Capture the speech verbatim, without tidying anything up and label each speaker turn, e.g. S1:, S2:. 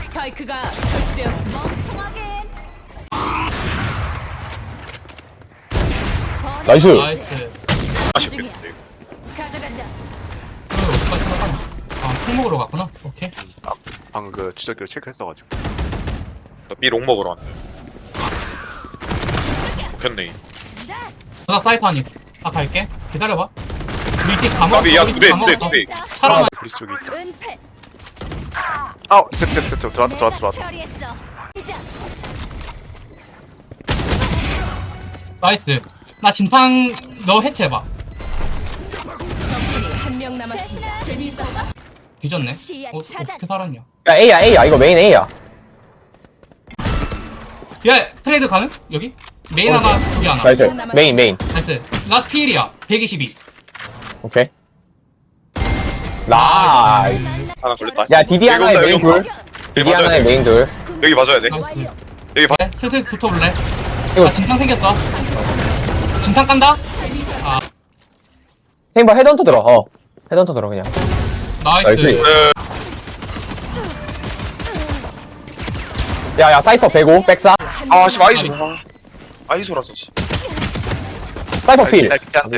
S1: 스파이크가 설치되었습니다.
S2: 멍청하게.
S3: 나이스.
S4: 나이스.
S5: 아쉽겠는데.
S2: 가져간다.
S4: 어, 어디까지 들어가나? 아, 콩 먹으러 갔구나. 오케이.
S5: 방금 그 추적기를 체크했어가지고. B롱 먹으러 왔네. 좋겠네.
S4: 누나 사이트 하니. 아, 갈게. 기다려봐. 우리 팀 감옥.
S5: 까비, 야,
S4: 우리 팀
S5: 네,
S4: 감옥.
S5: 네, 네.
S4: 차라만.
S5: 브리스 쪽에 있다.
S2: 은폐.
S5: 아우, 세트, 세트, 세트. 들어왔다, 들어왔다,
S2: 내가
S5: 들어왔다.
S2: 처리했어. 이제
S4: 나이스. 나 진탕 너 해체해봐.
S1: 적군이 한 명 남았습니다. 재미있었어?
S4: 뒤졌네.
S2: 시야
S4: 어,
S2: 차단.
S4: 어떻게 살았냐?
S3: 야 A야 A야 이거 메인 A야.
S4: 야, 트레이드 가능? 여기? 메인 하나, 여기 하나.
S3: 나이스. 메인 메인.
S4: 나이스. 라스트 필이야. 백이십이.
S3: 오케이. 나이스.
S5: 하나 걸렸다.
S3: 야 디디
S5: 여기
S3: 하나에
S5: 온다,
S3: 메인
S5: 여기
S3: 둘.
S5: 온다.
S3: 디디
S5: 여기 맞아야
S3: 하나에
S5: 돼.
S3: 메인 둘.
S5: 여기 맞아야 돼.
S4: 나이스.
S5: 여기 봐.
S4: 네, 슬슬 붙어볼래?
S3: 이거-
S4: 아, 진탕 생겼어. 진탕 깐다? 아,
S3: 템버 헤드헌터 들어. 어. 헤드헌터 들어 그냥.
S4: 나이스.
S3: 나이스.
S5: 에,
S3: 야야 사이퍼 백오 백사.
S5: 아, 씨, 아이소. 아이소라서, 씨.
S3: 사이퍼 필.
S5: 아, 괜찮아.